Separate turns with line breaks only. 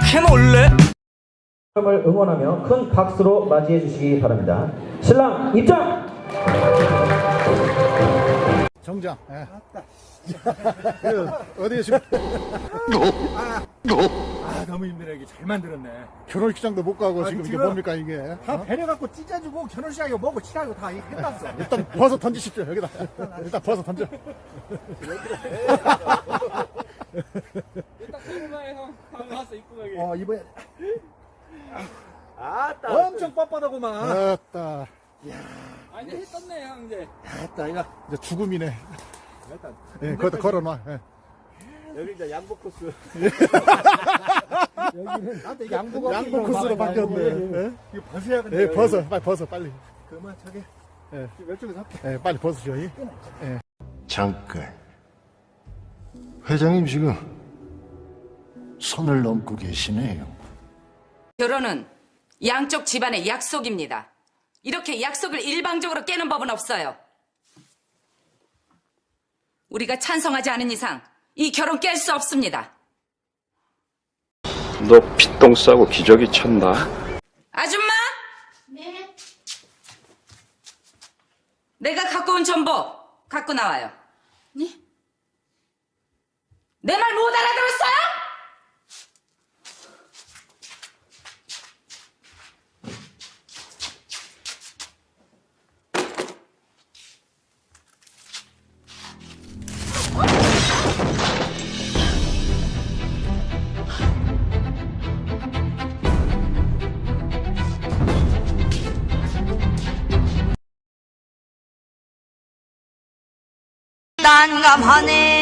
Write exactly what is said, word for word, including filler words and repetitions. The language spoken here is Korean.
그렇게 놀래?
을 응원하며 큰 박수로 맞이해 주시기 바랍니다. 신랑 입장!
정장. 예. 어디에 지금?
아 너무 힘드네. 이게 잘 만들었네.
결혼식장도 못 가고
아니,
지금 이게
지금
뭡니까 이게?
다
어?
배려갖고 찢어주고 결혼식하고 뭐고 치라고 다 해놨어.
일단 벗어 던지십시오 여기다. 일단 벗어 던져.
일단 궁금해 형. 다 나왔어 이쁘게.
어 이번에
아따.
엄청 빳빳하고만.
아따.
아니 했었네 형 이제.
됐다 이거.
이제 죽음이네.
일단
예, 거기다 걸어놔. 예.
여기 이제 양복 코스.
여기는 나한테 이게 양보가
양복 코스로 바뀌었네. 예?
이거 벗어야 근데.
예, 벗어. 빨리 벗어 빨리.
그만 저기.
예.
왼쪽에서 할게.
예, 빨리 벗으셔. 예.
잠깐. 회장님 지금 선을 넘고 계시네요.
결혼은 양쪽 집안의 약속입니다. 이렇게 약속을 일방적으로 깨는 법은 없어요. 우리가 찬성하지 않은 이상 이 결혼 깰 수 없습니다.
너 피똥 싸고 기저귀 쳤나?
아줌마? 네. 내가 갖고 온 정보 갖고 나와요. 네? 내 말 못 알아들었어요?
난감하네.